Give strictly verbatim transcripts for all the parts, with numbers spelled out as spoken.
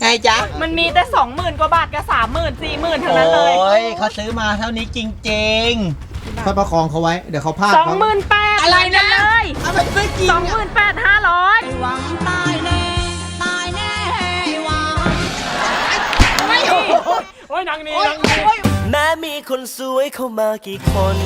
ไงจ๊ะมันมีแต่สองหมื่นกว่าบาทกับสามหมื่นสี่หมื่นเท่านั้นเลยโอ้ยเขาซื้อมาเท่านี้จริงๆค่อยประคองเขาไว้เดี๋ยวเขาพลาดสองหมื่นแปดอะไรนะเลยอะไรไม่จริงสองหมื่นแปดห้าร้อยหวังตายแน่ตายแน่หวังไม่โอ้ยนางนี้นางนี้แม้มีคนสวยเข้ามากี่คน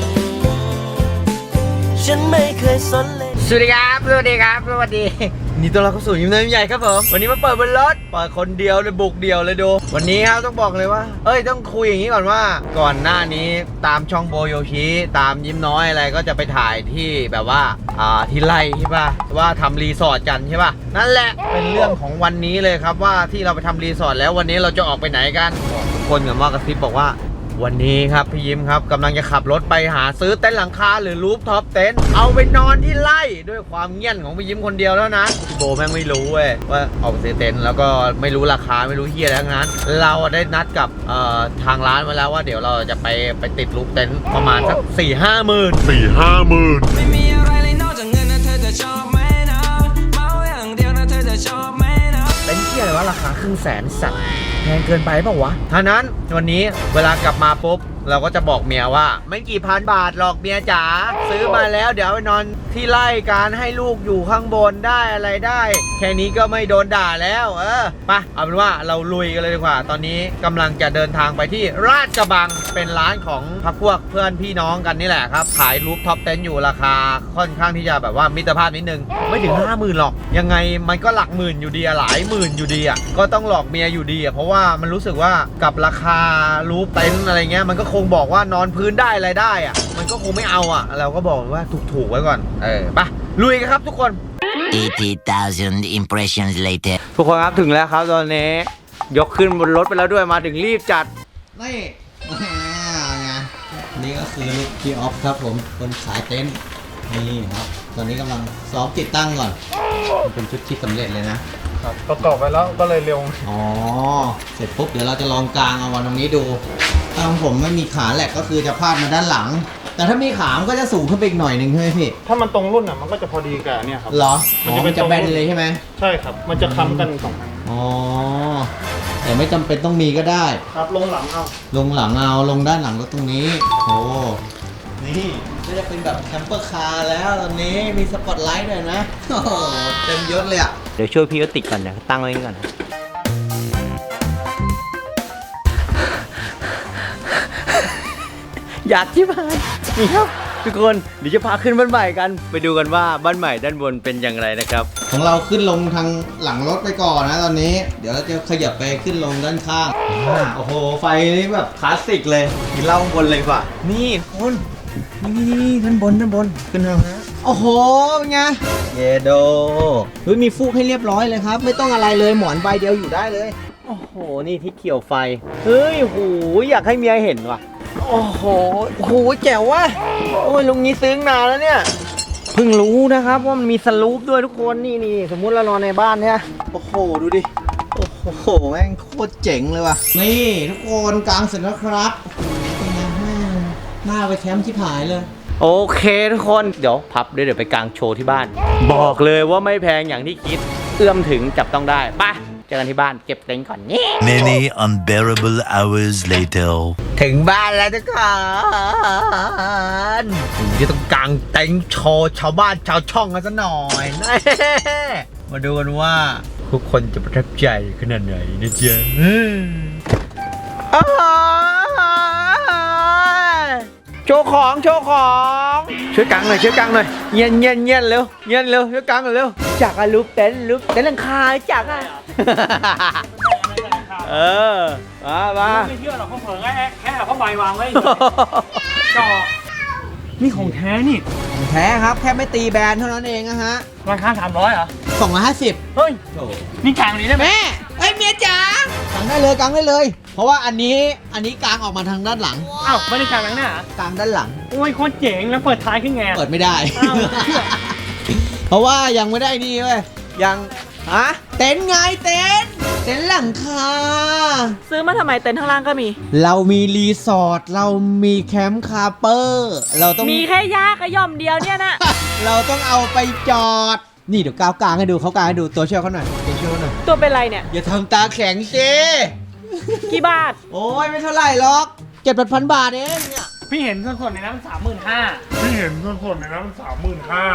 ฉันไม่เคยสนเลยสวัสดีครับสวัสดีครับสวัสดีนี่ตัวเราเข้าสู่ยิ้มน้อยยิ้มใหญ่ครับผมวันนี้มาเปิดบนรถเปิดคนเดียวเลยบุกเดียวเลยดูวันนี้ครับต้องบอกเลยว่าเอ้ยต้องคุยอย่างนี้ก่อนว่าก่อนหน้านี้ตามช่องโบโยชิตามยิ้มน้อยอะไรก็จะไปถ่ายที่แบบว่าอ่าที่ไร่ใช่ป่ะว่าทำรีสอร์ทกันใช่ป่ะนั่นแหละเป็นเรื่องของวันนี้เลยครับว่าที่เราไปทำรีสอร์ทแล้ววันนี้เราจะออกไปไหนกันทุกคนกับมากระซิบบอกว่าวันนี้ครับพี่ยิ้มครับกำลังจะขับรถไปหาซื้อเต็นท์หลังคาหรือรูฟท็อปเต็นท์เอาไปนอนที่ไร่ด้วยความเงี่ยนของพี่ยิ้มคนเดียวแล้วนะโบแม่งไม่รู้เว้ยว่าเอาไปซื้อเต็นท์แล้วก็ไม่รู้ราคาไม่รู้เฮียอะไรทั้งนั้นเราได้นัดกับเอ่อทางร้านมาแล้วว่าเดี๋ยวเราจะไปไปติดรูฟเต็นท์ประมาณสักสี่ห้าหมื่นสี่ห้าหมื่นไม่มีอะไรเลยนอกจากเงินนะเธอจะชอบไหมนะเมาอย่างเดียวนะเธอจะชอบไหมนะเต็นท์เฮียอะไรวะราคาครึ่งแสนสัตว์แพงเกินไปเปล่าวะท่านั้นวันนี้เวลากลับมาปุ๊บเราก็จะบอกเมียว่าไม่กี่พันบาทหรอกเมียจ๋าซื้อมาแล้วเดี๋ยวไปนอนที่ไร่การให้ลูกอยู่ข้างบนได้อะไรได้แค่นี้ก็ไม่โดนด่าแล้วเออไปเอาเป็นว่าเราลุยกันเลยดีกว่าตอนนี้กำลังจะเดินทางไปที่ราชกระบังเป็นร้านของพักพวกเพื่อนพี่น้องกันนี่แหละครับขายรูฟท็อปเต็นท์อยู่ราคาค่อนข้างที่จะแบบว่ามิตรภาพนิดนึงไม่ถึงห้าหมื่นหรอกยังไงมันก็หลักหมื่นอยู่ดีอะหลายหมื่นอยู่ดีอะก็ต้องหลอกเมียอยู่ดีอะเพราะว่ามันรู้สึกว่ากับราคารูฟเต็นท์อะไรเงี้ยมันก็คงบอกว่านอนพื้นได้อะไรได้อะมันก็คงไม่เอาอะเราก็บอกว่าถูกๆไว้ก่อนเออไปลุยกันครับทุกคน eighty thousand impressions later ทุกคนครับถึงแล้วครับตอนนี้ยกขึ้นบนรถไปแล้วด้วยมาถึงรีบจัดนี่ไงนี่ก็คือลูกพี่ออฟครับผมคนขายเต็นท์นี่ครับตอนนี้กำลังซ้อมติดตั้งก่อนมันเป็นชุดที่สำเร็จเลยนะครับประกอบไปแล้วก็เลยเร็วอ๋อเสร็จปุ๊บเดี๋ยวเราจะลองกางเอาวันตรงนี้ดูถ้าของผมไม่มีขาแหลกก็คือจะพาดมาด้านหลังแต่ถ้ามีขามันก็จะสูงขึ้นไปอีกหน่อยหนึ่งใช่ไหมพี่ถ้ามันตรงรุ่นอ่ะมันก็จะพอดีกับเนี่ยครับเหรอมันจะเป็นจะแบนเลยใช่ไหมใช่ครับมันจะค้ำกันสองอันอ๋อแต่ไม่จำเป็นต้องมีก็ได้ครับลงหลังเอาลงหลังเอาลงด้านหลังก็ตรงนี้โอ้นี่ก็จะเป็นแบบแคมเปอร์คาร์แล้วตอนนี้มีสปอตไลท์ด้วยนะโอ้โหเต็มยศเลยอ่ะเดี๋ยวช่วยพี่ก็ติดก่อนเดี๋ยวตั้งไว้ก่อนอยากที่บ้านนี่ครับทุกคนเดี๋ยวจะพาขึ้นบ้านใหม่กันไปดูกันว่าบ้านใหม่ด้านบนเป็นอย่างไรนะครับของเราขึ้นลงทางหลังรถไปก่อนนะตอนนี้เดี๋ยวเราจะขยับไปขึ้นลงด้านข้างโอ้โหไฟนี่แบบคลาสสิกเลยกินเหล้าข้างบนเลยกว่านี่คนนี่ด้านบนด้านบนขึ้นทางนะโอ้โหเป็นไงเยโดเฮ้ยมีฟูกให้เรียบร้อยเลยครับไม่ต้องอะไรเลยหมอนใบเดียวอยู่ได้เลยโอ้โหนี่ที่เกี่ยวไฟเฮ้ยโหอยากให้เมียเห็นว่ะโอ้โหโอ้โหแจ๋วว่ะโอ้ยลุงนี้ซึ้งนานแล้วเนี่ยเพิ่งรู้นะครับว่ามันมีสลูปด้วยทุกคนนี่นี่สมมุติเรานอนในบ้านเนี่ยโอ้โหดูดิโอ้โหแม่งโคตรเจ๋งเลยว่ะนี่ทุกคนกลางเสร็จแล้วครับเป็นไงแม่หน้าไปแคมป์ที่ผายเลยโอเคทุกคนเดี๋ยวพับเดี๋ยวไปกางโชว์ที่บ้านบอกเลยว่าไม่แพงอย่างที่คิดเอื้อมถึงจับต้องได้ไปเจอกันที่บ้านเก็บเต็นท์ก่อนนี่ Many unbearable hours later ถึงบ้านแล้วทุกคนจะต้องกางเต็นท์โชว์ชาวบ้านชาวช่องกันซะหน่อยมาดูกันว่าทุกคนจะประทับใจขนาดไหนนะจ๊ะโชว์ของโชว์ของช่วยกังหน่อยช่วยกังหน่อยเงียนเงียนเงียนเร็วเงียนเร็วช่วยกังหน่อยเร็วจากอะลูกเต็นท์ลูกเต็นท์หลังคาจากอะเออมามาไม่เชื่อหรอกเขาเผลอแค่แค่เขาใบวางไว้จอนี่ของแท้นี่ของแท้ครับแค่ไม่ตีแบรนด์เท่านั้นเองนะฮะราคาสามร้อยเหรอสองร้อยห้าสิบเฮ้ยนี่กลางนี้ได้ไหมแม่เฮ้ยเมียจ๋ากางได้เลยกางได้เลยเพราะว่าอันนี้อันนี้กางออกมาทางด้านหลังอ้าวไม่ได้กลางหลังหน้ากางด้านหลังโอ้ยโคตรเจ๋งแล้วเปิดท้ายขึ้นไงเปิดไม่ได้เพราะว่ายังไม่ได้นี่เว้ยยังฮะเต็นท์ไงเต็นท์เต็นท์หลังคาซื้อมาทำไมเต็นท์ข้างล่างก็มีเรามีรีสอร์ทเรามีแคมป์คาเปอร์เราต้องมีแค่ยากระย่อมเดียวเนี่ยนะเราต้องเอาไปจอดนี่เดี๋ยวก้าวกลางให้ดูเขากลางให้ดูตัวเชี่ยวเขาหน่อยตัวเชี่ยวเขาหน่อยตัวเป็นไรเนี่ยอย่าทำตาแข็งสิกี่บาทโอ้ยไม่เท่าไหร่หรอกเจ็ดพันบาทเองเนี่ยพี่เห็นส่วนๆในนั้นมันสามหมื่นห้าพี่เห็นส่วนๆในนั้นมันสามหมื่นห้า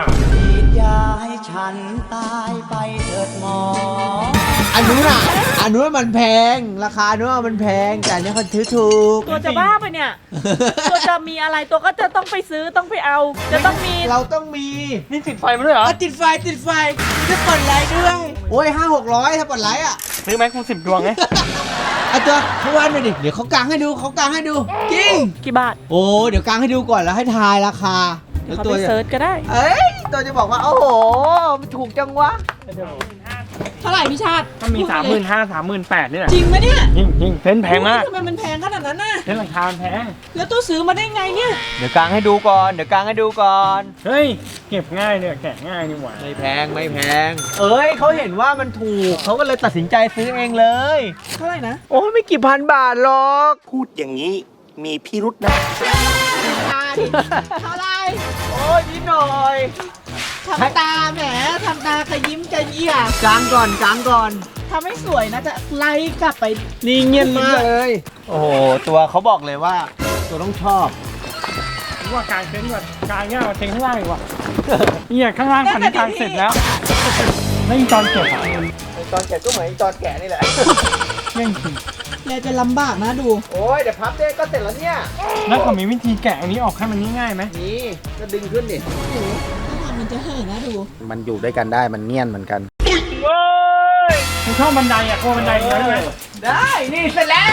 อันนู้นอ่ะอันนู้นมันแพงราคาอันนู้นมันแพงแต่อันนี้เขาถือถูกตัวจะบ้าไปเนี่ย ตัวจะมีอะไรตัวก็จะต้องไปซื้อต้องไปเอา จะต้องมีเราต้องมีนี่ติดไฟมาด้วยเหรออ่ะติดไฟติดไฟจะเปิดไลท์ด้วยโอ้ยห้าหกร้อยถ้าเปิดไลท์อ่ะซื้อไหมกูสิบดวงไงอ่ะตัวเขาวานไปดิเดี๋ยวเขากางให้ดูเขากางให้ดูจริงกี่บาทโอ้เดี๋ยวกางให้ดูก่อนแล้วให้ทายราคาเดี๋ยวแล้วเขาตัวไปจะเซิร์ชก็ได้เอ้ยตัวจะบอกว่าโอ้โหมันถูกจังวะเท่าไหร่พี่ชาติก็มีสามหมื่นห้าสามหมื่นแปดนี่แหละจริงไหมเนี่ยจริงจริงเพ้นแพงมากทำไมมันแพงขนาดนั้นน่ะเพ้นราคาแพงแล้วตัวซื้อมาได้ไงเนี่ยเดี๋ยวกางให้ดูก่อนเดี๋ยวกางให้ดูก่อนเฮ้ย เก็บง่ายเนี่ยแกะง่ายนี่หว่าไม่แพงไม่แพงเอ้ยเขาเห็นว่ามันถูกเขาก็เลยตัดสินใจซื้อเองเลยเท่าไหร่นะโอ้ยไม่กี่พันบาทหรอกพูดอย่างนี้มีพิรุษนะเท่าไหร่โอ้ยนิดหน่อยทำตาแหมทำตาขยิ้มกระเยี่ยกางก่อนกางก่อนทำให้สวยนะจะไล่กลับไปนี่เงียบมากเลย โอ้โหตัวเขาบอกเลยว่า ตัวต้องชอบผมว่ากางเต็นท์แบบกางง่ายกว่าเต็นท์ข้างล่างอีกว่ะเนี่ยข้างล่างพันกางเสร็จแล้วแล้วอีตอนเก็บอ่ะตอนแกะก็เหมือนตอนแกะนี่แหละเร่งจริงเราจะลำบากนะดูโอ้ยเดี๋ยวพับได้ก็เสร็จแล้วเนี่ยแล้วเขามีวิธีแกะอันนี้ออกให้มันง่ายๆไหมนี่ก็ดึงขึ้นดิถ้าทำมันจะเห่อะนะดูมันอยู่ด้วยกันได้มันเงียนเหมือนกันเว้ยกูชอบบันไดอ่ะกลัวบันไดเยอะเลยได้นี่เสร็จแล้ว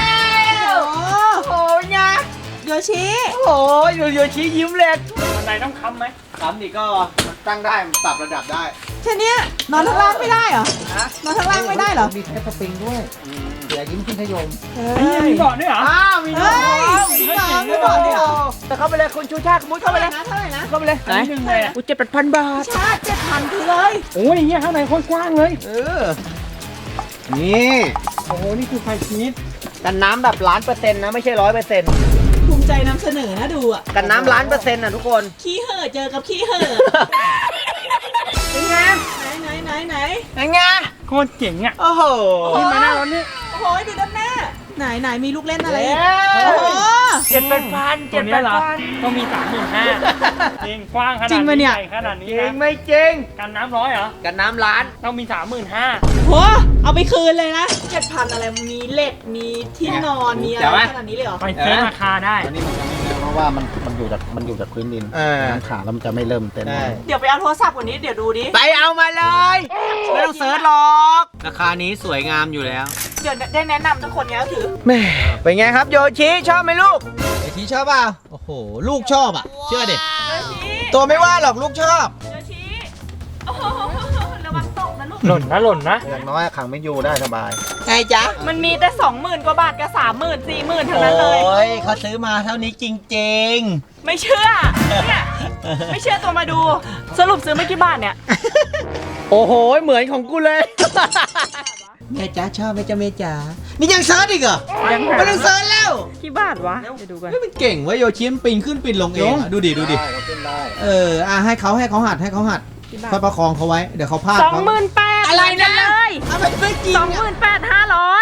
โอ้โอ้ยไงโยชิโอ้ยอยู่อยู่ชี้ยิ้มเลยบันไดต้องค้ำไหมคำนี่ก็มันตั้งได้มันปรับระดับได้แค่เนี้ยนอนข้างล่างไม่ได้เหรอฮะนอนข้างล่างไม่ได้เหรอมีแค่สปริงด้วยเสียยิ้มขึ้นทยมเฮ้ไอ้เหี้ยยมีเบาะด้วยเหรออ้าวมีน้องเฮ้ยมีน้องมีบอกด้วยเหรอแต่เข้าไปเลยคุณชูชาติมุดเข้าไปเลยนะเท่าไหร่นะเข้าไปเลยอันนี้ดึงเลยอ่ะอุ้ยเจ็ดแปดพันบาทชาติเจ็ดพันคือเลยโอ้ยเหี้ยข้างในโคตรกว้างเลยเออ นี่โอ้โห นี่คือไฟชีสกันน้ำแบบล้านเปอร์เซ็นต์นะไม่ใช่ร้อยเปอร์เซ็นต์ภูมิใจนำเสนอนะดูอ่ะกันน้ำล้านเปอร์เซ็นต์นะทุกคนขี้เห่อะเจอกับขี้เห่อะเป็นไงไหนไหนไหนไหนเป็นไงโคตรเจ๋งอ่ะโอ้โหขึ้นมาหน้ารถนี่โอ้โหดูด้านหน้าไหนไหนมีลูกเล่นอะไรเย้โอ้โหเจ็ดแปดพันตัเจ็วดเนี้แปยดเหรอพันต้องมีสามหมื่นห้าจริงกว้างขนาดจริงปะนี้เนี่ยใหญ่ขนาดนี้จริงนะไม่จริงกันน้ำร้อยเหรอกันน้ำล้านต้องมีสามหมื่นห้าโหเอาไปคืนเลยนะเจ็ดพันอะไรมีเหล็กมีที่นอนมีอะไรขนาดนี้เลยเหรอไปเซ็นราคาได้อันนี้มันจะไม่เริ่มเพราะว่ามันมันอยู่จากมันอยู่จากพื้นดินเออน้ำขาแล้วมันจะไม่เริ่มเต้นใช่เดี๋ยวไปเอาโทรศัพท์กว่านี้เดี๋ยวดูดิไปเอามาเลย ไม่ต้องเซิร์ชหรอก ราคานี้สวยงามอยู่แล้วเดี๋ยวได้แนะนำทุกคนเนี้ยก็คือแม่เป็นไงครับโยชิชอบไหมลูกโยชิชอบเปล่าโอ้โห ลูกชอบอ่ะ เชื่อดิโยชิตัวไม่ว่าหรอกลูกชอบโยชิโอ้โหระวังตกนะลูกหล่นนะหล่นนะอย่างน้อยขังไม่อยู่ได้สบายไงจ๊ะมันมีแต่สองหมื่นกว่าบาทกับสามหมื่นสี่หมื่นเท่าโอนั้นเลย้ยเขาซื้อมาเท่านี้จริงไม่เชื่อเนี่ยไม่เชื่อตัวมาดู สรุปซื้อไม่กี่บาทเนี่ยๆ โอ้โห เหมือนของกูเลย แม่จ๋าชอบไหมจ๊ะแม่จ๋านี่ยังเซิร์ชอีกเหรอยังหาไม่ต้องเซิร์ชแล้วกี่บาทวะเดี๋ยวดูกันเฮ้ยมันเก่งเว้ยโยชิมันปีนขึ้นปีนลงเองอะดูดิดูดิได้ก็ขึ้นได้เอออ่ะให้เขาให้เขาหัดให้เขาหัดค่อยประคองเขาไว้ เดี๋ยวเขาพลาดสองหมื่นแปดอะไรนะเลยเอาไปไม่จริงสองหมื่นแปดห้าร้อย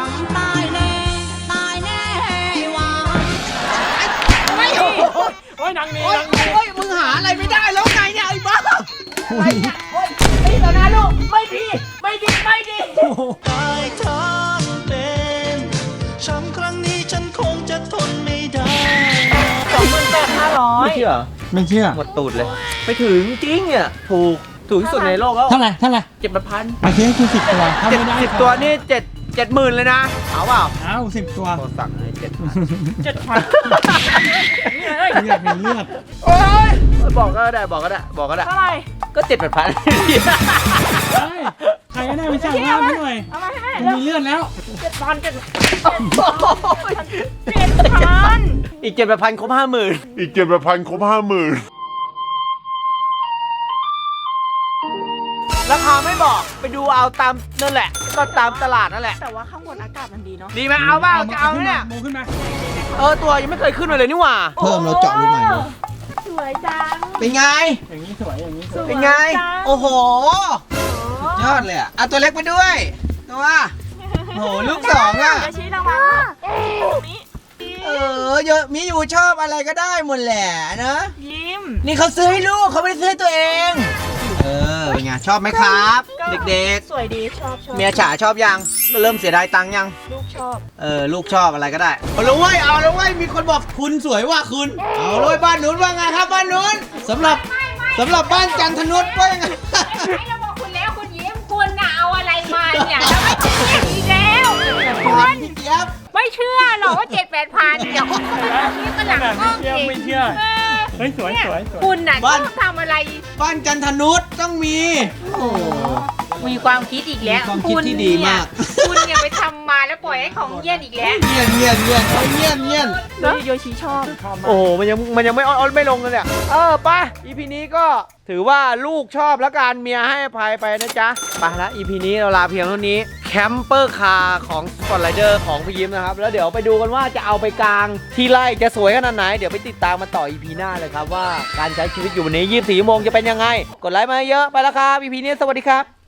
ไม่โอ้โหโอ้ยหนังนี้โอ้ยหนังนี้โอ้ยมึงหาอะไรไม่ได้แล้วไงเนี่ยไอ้บ้าอะไรเนี่ยโอ้ยไม่แล้วนะลูกไม่ดีไม่ดีไม่ดีตายทั้งเป็นช้ำครั้งนี้ฉันคงจะทนไม่ได้สองหมื่นแปดห้าร้อยไม่เชื่อไม่เชื่อหมดตูดเลยไม่ถึงจริงอ่ะถูกถูกที่สุดในโลกแล้วเท่าไหร่ เท่าไหร่เจ็ดพันไปเชื่อคือสิบตัวถ้าเจ็ดไม่ได้สิบตัวนี่เจ็ดเจ็ดหมื่นเลยนะเอาเปล่าเอาสิบตัวโทรสั่งเลยเจ็ดพันเจ็ดพันอยากเห็นเลือดโอ้ยบอกก็ได้บอกก็ได้บอกก็ได้เท่าไหร่ก็เจ็ดแปดพันเฮ้ยใครก็ได้ไปสั่งว่าให้หน่อยเอามาให้แม่มันมีเลือดแล้วเจ็ดพันเจ็ดเจ็ดพันอีกเจ็ดแปดพันครบห้าหมื่นอีกเจ็ดพันครบห้าหมื่นราคาไม่บอกไปดูเอาตามนั่นแหละ ก็ตามตลาดนั่นแหละแต่ว่าข้างบนอากาศมันดีเนาะดีไหมเอาเปล่าจะเอาไหมเนี่ยโมขึ้นมาเออตัวยังไม่เคยขึ้นมาเลยนี่หว่าเพิ่มเราเจาะรูใหม่เลยสวยจังเป็นไงอย่างนี้สวย อย่างนี้สวยเป็นไงจังโอ้โห ยอดเลยอ่ะเอาตัวเล็กไปด้วย ตัวตัวโหลูกสองอ่ะเดี๋ยวชี้รางวัลตรงนี้เออเยอะมีอยู่ชอบอะไรก็ได้หมดแหละนะยิ้มนี่เขาซื้อให้ลูกเขาไม่ได้ซื้อให้ตัวเอง เออเป็นไงชอบไหมครับ เด็กสวยดีชอบชอบๆ เมียจ๋าชอบยังเริ่มเสียดายตังค์ยังลูกชอบเออลูกชอบอะไรก็ได้เอาเลยเว้ยเอาเลยเว้ยมีคนบอกคุณสวยว่าคุณ เอาเลยบ้านนู้นว่าไงครับบ้านนู้นสำหรับสำหรับบ้านจันทนุชว่ายังไงให้เราบอกคุณแล้วคุณยิ้มคุณน่ะเอาอะไรมาเนี่ยแล้วไม่ต้องเรียกอีกแล้วคุณพี่เจี๊ยบไม่เชื่อหรอกว่าเจ็ดแปดพันเดี๋ยวคุณนี่ก็หลังกล้องเชื่อเองไม่เชื่อเออเฮ้ยสวยสวยสวยคุณน่ะชอบทำอะไรบ้านจันทนุชต้องมีโอ้มีความคิดอีกแล้วมีความคิดที่ดีมากคุณเนี่ยไปทำมาแล้วปล่อยให้ของเยี่ยนอีกแล้วเงียนเงียนเงียนเงียนเงียนแล้วโยชิชอบโอ้โหมันยังมันยังไม่ออนไม่ลงเลยเนี่ยเออไป อี พี นี้ก็ถือว่าลูกชอบแล้วการเมียให้อภัยไปนะจ๊ะไปละ อี พี นี้เราลาเพียงเท่านี้แคมเปอร์คาร์ของสปอร์ตไรเดอร์ของพี่ยิ้มนะครับแล้วเดี๋ยวไปดูกันว่าจะเอาไปกลางที่ไร่จะสวยขนาดไหนเดี๋ยวไปติดตามมาต่อ อี พี หน้าเลยครับว่าการใช้ชีวิตอยู่วันนี้ยี่สิบสี่ชั่วโมงจะเป็นยังไงกดไลค์มาเยอะไปแล้วครับ อี พี นี้สวัสดีครับ